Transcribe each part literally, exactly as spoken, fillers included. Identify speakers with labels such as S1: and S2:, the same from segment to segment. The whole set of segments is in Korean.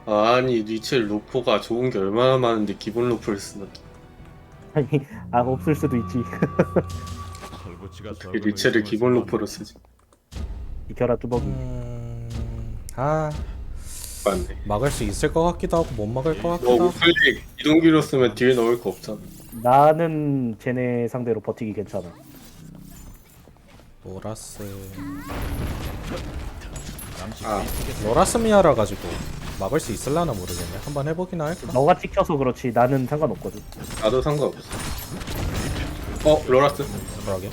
S1: 아니 리첼 로포가 좋은 게 얼마나 많은데 기본 로포를 쓰나.
S2: 아니, 아 없을 수도 있지.
S1: 어떻게 리첼을 기본 로포로 쓰지?
S2: 이겨라 뚜벅이.
S3: 음... 아
S1: 맞네.
S3: 막을 수 있을 것 같기도 하고 못 막을 것
S1: 너
S3: 같기도 하고.
S1: 우클릭 이동기로 쓰면 뒤에 넣을 거 없잖아.
S2: 나는 쟤네 상대로 버티기 괜찮아.
S3: 로라스
S1: 아
S3: 로라스미아라 가지고 막을 수 있을라나 모르겠네. 한번 해보기나 할까?
S2: 너가 찍혀서 그렇지 나는 상관없거든.
S1: 나도 상관없어. 어 로라스.
S3: 그러게.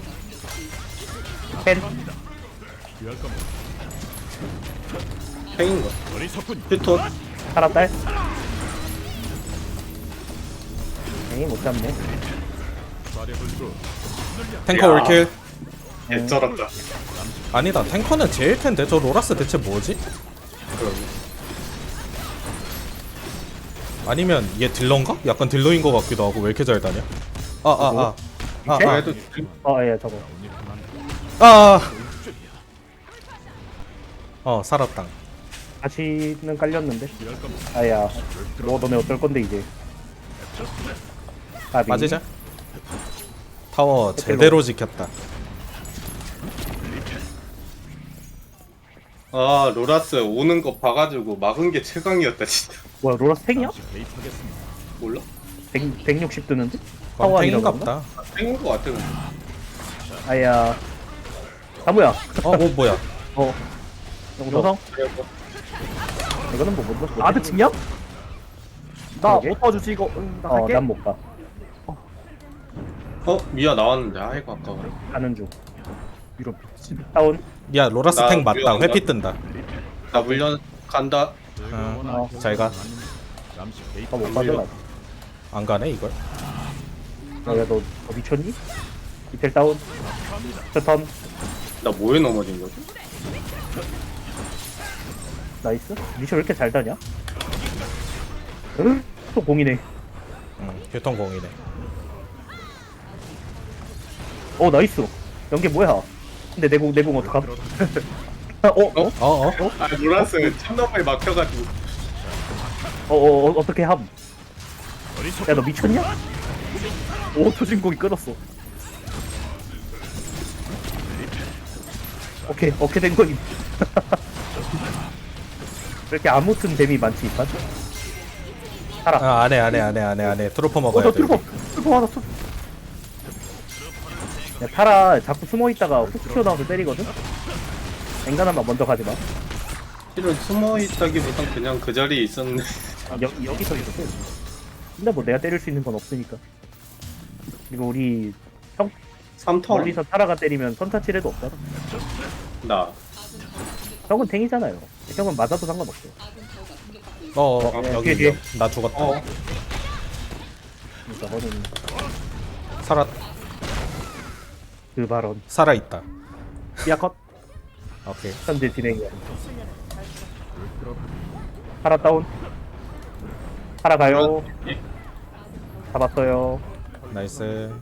S2: 펜.
S1: 팽인가? 휴톤.
S2: 살았달. 에이 못 잡네.
S3: 탱커
S1: 야.
S3: 올킬.
S1: 개쩔었다.
S3: 아니다, 탱커는 제일 텐데. 저 로라스 대체 뭐지?
S1: 그러네.
S3: 아니면 얘 딜러인가? 약간 딜러인 것 같기도 하고. 왜 이렇게 잘 다녀? 아아아 아, 아,
S1: 그래도
S2: 어예 저거.
S3: 아, 아. 어 살았당.
S2: 다시는 깔렸는데. 아야. 너 너네 어떨 건데 이제. 아비.
S3: 맞으자. 타워 제대로 지켰다.
S1: 아 로라스 오는 거 봐가지고 막은 게 최강이었다 진짜.
S2: 뭐야 로라스 탱이야?
S1: 몰라?
S2: 백, 백육십 뜨는데?
S3: 그럼
S2: 타워 아니라고
S3: 탱인갑다.
S1: 팽인 거 같아 근데.
S2: 아야. 아 뭐야?
S3: 어, 뭐 뭐야?
S2: 어. 영성?
S1: 그래서
S2: 이거는 뭐 못. 못 아드 측량?
S4: 나
S2: 그러게.
S4: 못 도와주지 이거. 응, 나 할게.
S2: 어난 못 가.
S1: 어 미아 나왔는데 아이고 아까워라.
S2: 가는 중.
S4: 이런 미친.
S2: 다운.
S3: 야 로라스
S1: 나
S3: 탱 맞다.
S1: 위험한가?
S3: 회피 뜬다.
S1: 나 물려 간다.
S3: 어,
S2: 어.
S3: 잘 가.
S2: 어못 가져가.
S3: 안 가네 이걸.
S2: 야너 너 미쳤니? 이텔 다운. 스턴.
S1: 나 뭐에 넘어진 거지?
S2: 나이스. 미션 왜 이렇게 잘 다냐? 응? 또 공이네.
S3: 응, 교통공이네.
S2: 어 나이스. 연계 뭐야? 근데 내공 내공 어떡함? 어? 어?
S3: 어 어?
S1: 아 로라스 참나무에 막혀가지고.
S2: 어, 어, 어, 어떻게 함? 야, 너 미쳤냐?
S4: 오 초진공이 끊었어.
S2: 오케이, 어떻게 된 거니? 왜 이렇게 아무튼 뱀이 많지, 이판? 살아.
S3: 아 안해 안해 안해 안해 안해. 트로퍼
S2: 어,
S3: 먹어야
S2: 너
S3: 돼.
S2: 트루퍼, 트루퍼 하나 쏘. 야, 타라 자꾸 숨어 있다가 훅 튀어나와서 때리거든? 엔간하면 먼저 가지 마.
S1: 실은 숨어 있다기보단 그냥 그 자리에 있었는데.
S2: 아, 여, 여기서 이렇게. 근데 뭐 내가 때릴 수 있는 건 없으니까. 그리고 우리 형,
S1: 삼 턴.
S2: 멀리서 타라가 때리면 선타치레도 없잖아.
S1: 나.
S2: 형은 탱이잖아요. 형은 맞아도 상관없어.
S3: 어, 어,
S1: 어,
S3: 여기
S2: 뒤에,
S3: 여기. 나 죽었다.
S1: 어.
S2: 그러니까 너는
S3: 살아
S2: 그 발언.
S3: 살아 있다.
S2: 삐아컷.
S3: 오케이.
S2: 현재 진행이야. 파라 다운. 파라 가요. 잡았어요.
S3: 나이스.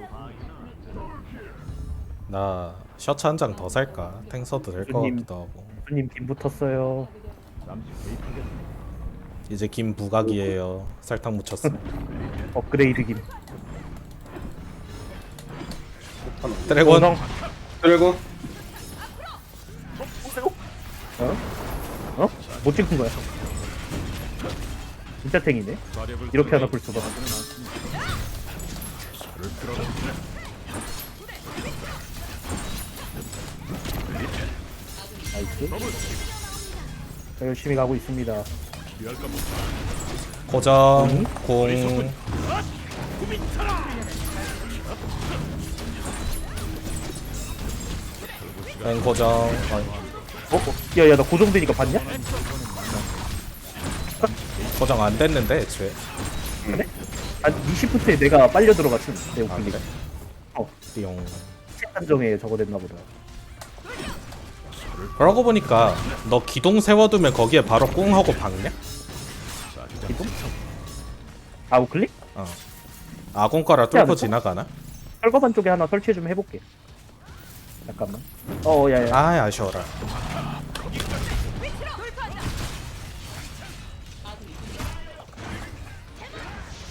S3: 나 셔츠 한 장 더 살까? 탱 써도 될 것
S2: 손님.
S3: 같기도 하고.
S2: 손님 김 붙었어요.
S3: 이제 김 부각이에요. 설탕 묻혔어.
S2: 업그레이드 김.
S3: 드래곤.
S2: 원성.
S1: 드래곤.
S2: 어? 어? 못 찍은 거야. 진짜 탱이네. 이렇게 하나 볼 수가. 나이스. 자, 열심히 가고 있습니다.
S3: 고정.
S2: 응?
S3: 공. 땡 고정. 어,
S2: 어? 어? 야야 나 고정되니까 봤냐?
S3: 고정 안 됐는데 애초에.
S2: 그래? 한 이십 분째 내가 빨려 들어갔음. 내
S3: 아
S2: 오픈이.
S3: 그래?
S2: 어.
S3: 띠용.
S2: 책 한정에 저거 됐나 보다.
S3: 그러고 보니까 너 기동 세워두면 거기에 바로 꽁 하고 박냐?
S2: 기동? 아우클릭?
S3: 어. 아공가라
S2: 않을까?
S3: 뚫고 지나가나?
S2: 철거반 쪽에 하나 설치 좀 해볼게. 잠깐만. 어, 야야.
S3: 아 아쉬워라.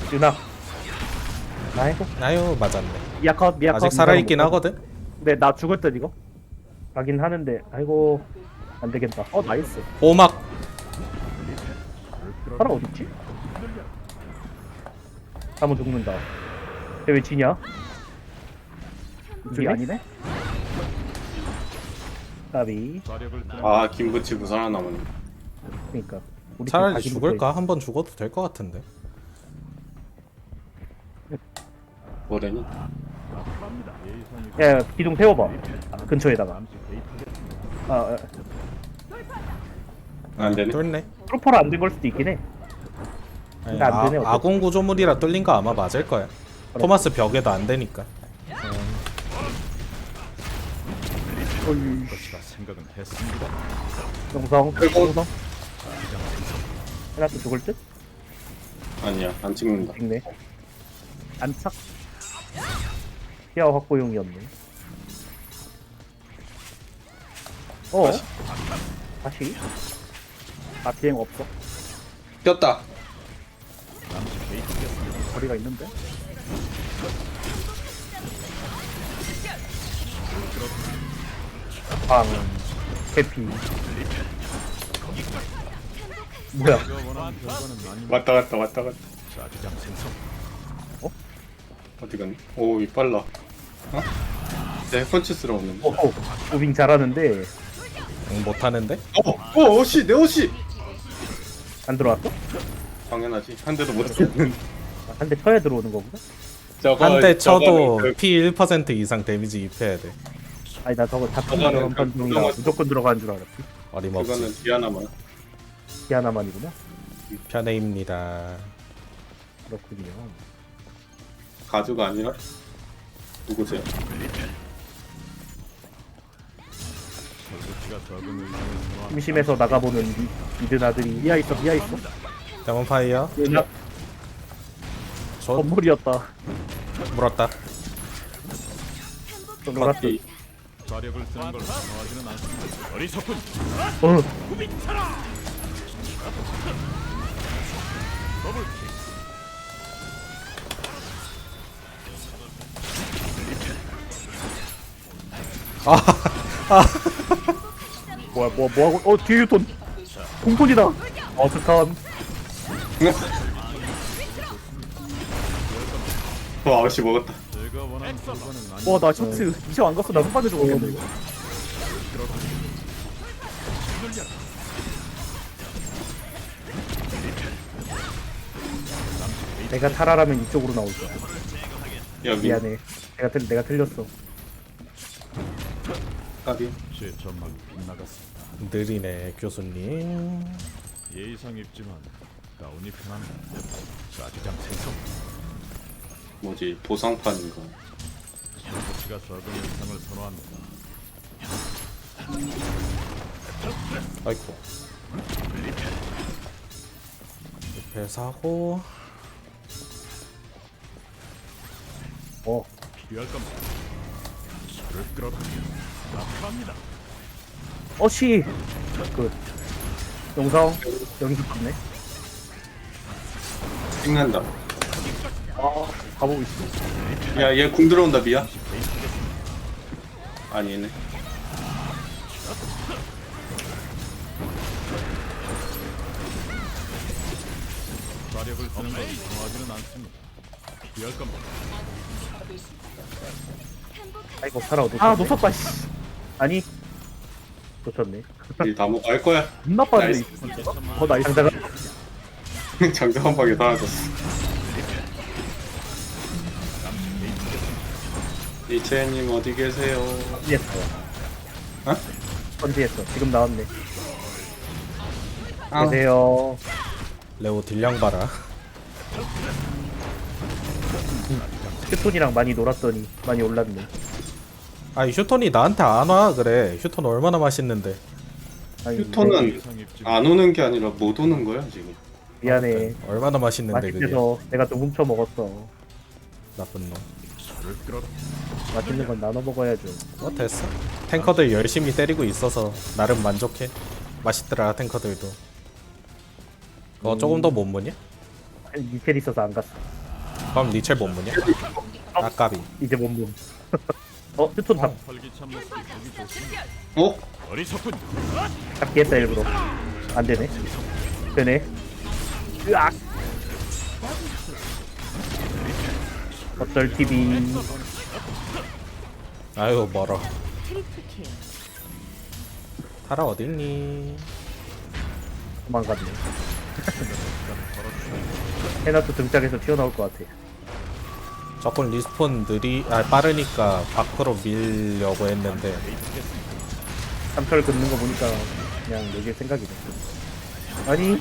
S2: 유나. 아이고
S3: 아유 맞았네.
S2: 미야컷 미야컷.
S3: 아직 살아있긴 하거든.
S4: 근데 나 죽을 듯 이거.
S2: 가긴 하는데 아이고 안 되겠다.
S4: 어 나이스.
S3: 오막.
S2: 사람 어딨지? 한번 죽는다. 근데 왜 지냐?
S4: 이게 아니네.
S2: 까비.
S1: 아 김부치고 살아남았네.
S2: 그러니까 우리 팀
S3: 차라리
S2: 각인
S3: 죽을까? 한 번 죽어도 될 것 같은데.
S1: 뭐래니?
S2: 붙어- 야, 야 기둥 세워봐. 아, 근처에다가. 아, 아
S1: 안 되네.
S3: 뚫네.
S2: 프로퍼를 안 된 걸 수도 있긴 해.
S3: 아니,
S2: 근데 안
S3: 아,
S2: 되네, 어차피.
S3: 아군 구조물이라 뚫린 거 아마 맞을 거야. 토마스 벽에도 안 되니까.
S2: 영성.
S1: 아이고.
S2: 영성. 해놨도 죽을 듯?
S1: 아니야 안 찍는다.
S2: 찍네. 안착. 피아 확보용이었네. 어?
S1: 다시.
S2: 다시?
S4: 나 비행 없어.
S1: 꼈다.
S4: 거리가 있는데.
S2: 방. 해피. 뭐야?
S1: 왔다 갔다 왔다 갔다. 어? 어디 갔니? 오, 이 빨라. 어? 내 펀치스러웠는데.
S2: 어, 어. 무빙 잘하는데
S3: 응, 못하는데?
S1: 어, 어, 옷이 내 옷이.
S2: 안 들어왔어?
S1: 당연하지. 한 대도 못 들었는데.
S2: 한 대 쳐야 들어오는 거구나?
S1: 저거
S3: 한 대 쳐도
S1: 저거는 그,
S3: 피 일 퍼센트 이상 데미지 입혀야 돼.
S2: 아니 나 저거 잡힌
S1: 저거는
S2: 들어간
S1: 그
S2: 판정이라
S1: 구경할 수
S2: 무조건 들어가는 줄 알았지.
S3: 어림없지.
S1: 그거는 디아나만.
S2: 하나만이구나.
S3: 편애입니다.
S2: 그렇군요.
S1: 가주가 아니라 누구세요?
S2: 심심해서 나가보는 미, 미드 아들이
S4: 미아 있어 미아 있어.
S3: 데몬파이어
S2: 얘나
S3: 저
S4: 건물이었다.
S3: 물었다.
S2: 놀았어.
S1: 이
S2: 어.
S4: 뭐야 뭐 뭐하고 어 뒤에 유톤. 공톤이다.
S2: 어 스턴.
S1: 와, 아저씨 먹었다.
S4: 와나 셔츠 이셔 안 갔어. 나 손바닥 죽었겠네 이거.
S2: 내가 타라라면 이쪽으로 나올 거야.
S1: 야, 미,
S2: 미안해. 내가 틀 내가 틀렸어.
S1: 까비.
S3: 느리네 교수님.
S5: 예의상 입지만 가운이 편합니다. 자기장 생성.
S1: 뭐지, 보상판인가.
S5: 조치가 적은 일상을 선호합니다.
S3: 아이고. 리펠 사고.
S2: 어.
S5: 필요할 겁니다. 저를 끌어다 나갑니다.
S2: 어시. 그 영상 여기서 봤네.
S1: 찍는다.
S2: 아 가보고 있어.
S1: 야, 얘 궁 들어온다, 미야. 아니네.
S5: 자력을 쓰는 건 좋아하지는 않습니다. 필요할 겁니다.
S2: 아이고 살아 놓쳤네.
S4: 아 놓쳤다 씨.
S2: 아니 놓쳤네.
S1: 다 먹고 할 거야.
S4: 겁나 빠른데
S1: 나이스.
S4: 이 진짜. 어 나이스.
S2: 장자가
S1: 장작 한 방에 사라졌어. 이채님 어디 계세요?
S2: 번지했어.
S1: 어?
S2: 번지했어. 지금 나왔네.
S1: 아.
S2: 계세요.
S3: 레오 딜량 봐라.
S2: 휴톤이랑 많이 놀았더니 많이 올랐네.
S3: 아이 휴톤이 나한테 안 와 그래. 휴톤 얼마나 맛있는데.
S2: 아니,
S1: 휴톤은
S5: 예의상 입지만
S1: 안 오는 게 아니라 못 오는 거야 지금.
S2: 미안해.
S3: 얼마나 맛있는데 그게.
S2: 맛있어서 내가 좀 훔쳐 먹었어.
S3: 나쁜 놈.
S5: 저를 끌어다
S2: 맛있는 건 나눠 먹어야죠.
S3: 어 됐어. 탱커들 열심히 때리고 있어서 나름 만족해. 맛있더라 탱커들도. 어 조금 더 못 무냐?
S2: 미첼 있어서 안 갔어.
S3: 그럼 리첼 못 무냐? 아까비.
S2: 이제 몸몸. 어 휴톤 다
S5: 활기찬 모습이 보기 좋습니다.
S1: 어?
S5: 어리석군.
S2: 잡기 했다 일부러. 안 되네. 되네. 으악. 어쩔 티비.
S3: 아유 멀어. 타라 어딨니?
S2: 도망갔네. 해나도 등짝에서 튀어나올 것 같아.
S3: 조금 리스폰 느리 아 빠르니까 밖으로 밀려고 했는데
S2: 삼철 긋는 거 보니까 그냥 내게 생각이 나. 아니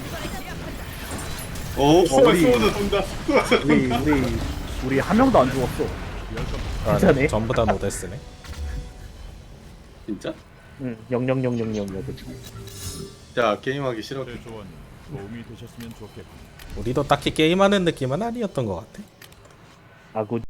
S1: 오,
S2: 우리-
S1: 소드 돈다.
S2: 우리 우리 우리 한 명도 안 죽었어.
S3: 아,
S2: 진짜네.
S3: 전부 다 노데스네.
S1: 진짜?
S2: 응 영영영영영 여기.
S1: 야, 게임하기 싫어.
S5: 제 조언이 도움이 되셨으면 좋겠군.
S3: 우리도 딱히 게임하는 느낌은 아니었던 것 같아.
S2: 아구